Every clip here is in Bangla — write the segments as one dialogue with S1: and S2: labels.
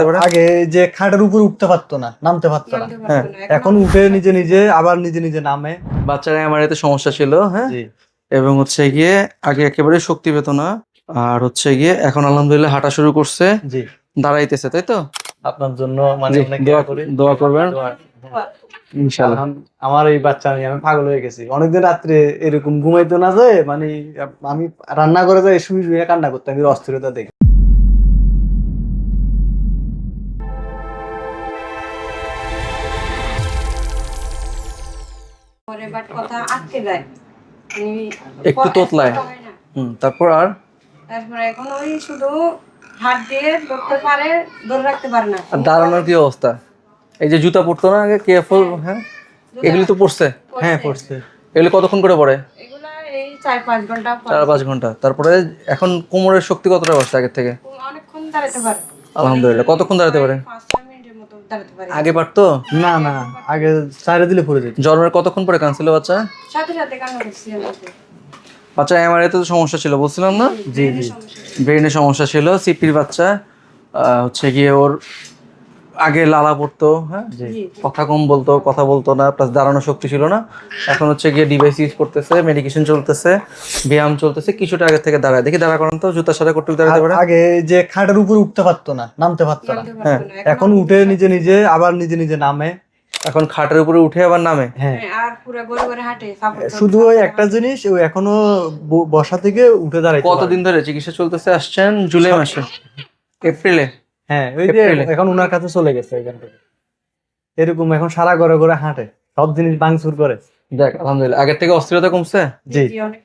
S1: আগে যে খাটের উপর উঠতে পারতো না, নামতে পারতো না, হ্যাঁ এখন উঠে নিজে নিজে আবার নিজে নিজে নামে।
S2: বাচ্চারা আমার এতে সমস্যা ছিল, হ্যাঁ,
S1: জি
S2: এবং হচ্ছে গিয়ে আগে একেবারে শক্তি পেত না, আর হচ্ছে গিয়ে এখন আলহামদুলিল্লাহ হাঁটা শুরু করছে,
S1: জি
S2: দাঁড়াইতেছে, তাই তো?
S1: আপনার জন্য মানে
S2: জি,
S1: অনেক
S2: দোয়া
S1: করি।
S2: দোয়া করবেন
S1: দোয়া-
S2: ইনশাআল্লাহ।
S1: আমার এই বাচ্চা নিয়ে আমি পাগল হয়ে গেছি। অনেকদিন রাত্রে এরকম ঘুমাইতো না যায়, মানে আমি রান্না করে যাই শুয়ে শুয়ে কান্না করতাম এর অস্থিরতা দেখে।
S3: পরে বাট কথা আটকে যায়,
S2: একটু তোতলায়। তারপর আর
S3: তারপরে এখন ওই শুধু হাত দিয়ে ধরতে পারে, ধরে রাখতে পারে না।
S2: আর দাঁড়ানোর কি অবস্থা? এই যে জুতা পরতো না আগে কেয়ারফুল, হ্যাঁ, এগুলি তো পড়ছে।
S1: হ্যাঁ পড়ছে।
S2: এগুলি কতক্ষণ করে পড়ে?
S3: এগুলা এই 4-5 ঘন্টা
S2: 4-5 ঘন্টা। তারপরে এখন কোমরের শক্তি কতটা বাড়ছে আগের থেকে?
S3: অনেকক্ষণ দাঁড়াতে পারে।
S2: আলহামদুলিল্লাহ। কতক্ষণ দাঁড়াতে পারে?
S3: 5-6 মিনিটের মতো দাঁড়াতে পারে।
S2: আগে পারতো?
S1: না না, আগে চাইরে দিলে পড়ে যেত।
S2: জন্মের কতক্ষণ পরে কাঁদছিল বাচ্চা?
S3: সাথে সাথে কান্না করছি আমাকে।
S2: বাচ্চা এমআরআই তে তো সমস্যা ছিল বলছিলাম না?
S1: জি জি
S2: ব্রেনের সমস্যা ছিল। সিপির বাচ্চা হচ্ছে গিয়ে ওর আগে লালা পড়তো, হ্যাঁ,
S1: জি
S2: কথা কম বলতো, কথা বলতো না, প্লাস দাঁড়ানোর শক্তি ছিল না। এখন হচ্ছে গিয়ে ডিভাইস ইউজ করতেছে, মেডিকেশন চলতেছে, ব্যায়াম চলতেছে, কিছুটা আগে থেকে দাঁড়ায়। দেখি দাঁড়া করান তো, জুতার সাথে করতে দাঁড়াতে পারে?
S1: আগে যে খাটের উপর উঠতে পারতো না, নামতে পারতো না,
S3: নামতে
S1: হ্যাঁ
S3: পারতো না।
S1: এখন উঠে নিজে নিজে আবার নিজে নিজে নামে।
S2: এখন খাটের উপরে উঠে আবার নামে।
S1: হ্যাঁ
S3: আর পুরো গড়ে গড়ে হাঁটে, সাপোর্ট
S1: শুধু ওই একটা জিনিস, ও এখনো বসা থেকে উঠে দাঁড়াইতে পারে।
S2: কতদিন ধরে চিকিৎসা চলতেছে? আসছেন জুলাই মাসে, এপ্রিলে।
S1: হ্যাঁ ওই যে
S2: এপ্রিলে।
S1: এখন ওনার কাছে চলে গেছে এখান থেকে। এরকম এখন সারা ঘরে ঘরে হাঁটে, সব জিনিস ভাঙচুর করে।
S2: দেখ আলহামদুলিল্লাহ, আগের থেকে অস্থিরতা কমছে।
S1: জি
S3: অনেক।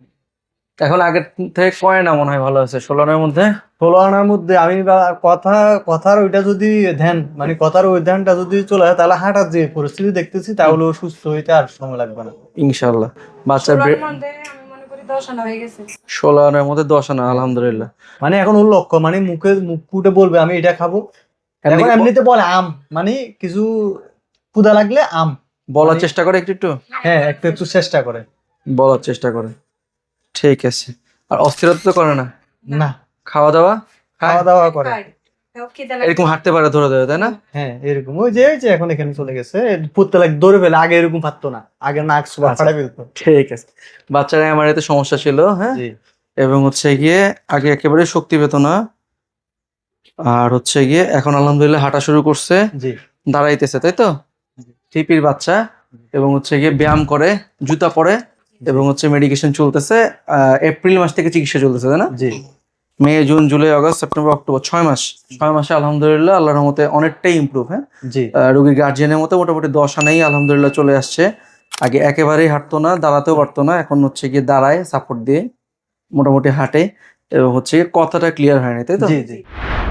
S2: এখন আগের থেকে কয় না মনে হয় ভালো আছে? 16 আনার মধ্যে।
S1: 16 আনার মধ্যে আমি কথার ওইটা যদি ধ্যান, মানে কথার ওই ধ্যানটা যদি চলে যায়, তাহলে হাঁটার যে পরিস্থিতি দেখতেছি তাহলে ও সুস্থ হইতে আর সময় লাগবে না।
S2: ইনশাআল্লাহ। বাচ্চার
S3: ষোলোর মধ্যে আমি মনে করি 10 আনা হয়ে গেছে।
S2: 16 আনার মধ্যে 10 আনা, আলহামদুলিল্লাহ।
S1: মানে এখন ওর লক্ষ্য, মানে মুখ ফুটে বলবে আমি এটা খাবো।
S2: এমনি
S1: এখন এমনিতে বলে আম, মানে কিছু ক্ষুধা লাগলে আম
S2: বলার চেষ্টা করে একটু একটু,
S1: হ্যাঁ একটু একটু চেষ্টা করে।
S2: বলার চেষ্টা করে। ঠিক আছে। আর অস্থিরতা তো করে না?
S1: না,
S2: খাওয়া দাওয়া
S1: খাওয়া দাওয়া করে।
S3: খায়। তাও খিদে লাগে।
S2: এরকম হাঁটতে পারে ধরে ধরে, তাই না?
S1: হ্যাঁ এরকম ওই যে এখন এখানে চলে গেছে, পড়তে লাগে দৌড়ে ফেলে। আগে এরকম পারতো না, আগে নাক সুবা
S2: আচ্ছা।
S1: ফাড়া ফেলতো।
S2: ঠিক আছে। বাচ্চারা আমার এতে সমস্যা ছিল, হ্যাঁ,
S1: জি
S2: এবং হচ্ছে গিয়ে আগে একেবারে শক্তি পেত না, আর হচ্ছে গিয়ে এখন আলহামদুলিল্লাহ হাঁটা শুরু করছে,
S1: জি
S2: দাঁড়াইতেছে, তাই তো? টিপির বাচ্চা, এবং হচ্ছে গিয়ে ব্যায়াম করে, জুতা পরে, এবং হচ্ছে মেডিকেশন চলতেছে। এপ্রিল মাস থেকে চিকিৎসা চলতেছে, তাই না?
S1: জি
S2: May, June, July, August, September, October, 6 মাস। 6 মাসে আলহামদুলিল্লাহ আল্লাহর রহমতে অনেকটাই ইমপ্রুভ, হ্যাঁ।
S1: জি
S2: রোগীর গার্জিয়ানের মতো মোটামুটি 10 আনাই আলহামদুলিল্লাহ চলে আসছে। আগে একেবারেই হাঁটতো না, দাঁড়াতেও পারতো না, এখন হচ্ছে গিয়ে দাঁড়ায়, সাপোর্ট দিয়ে মোটামুটি হাঁটে, এবং হচ্ছে গিয়ে কথাটা ক্লিয়ার হয়নি, তাই তো?
S1: জি জি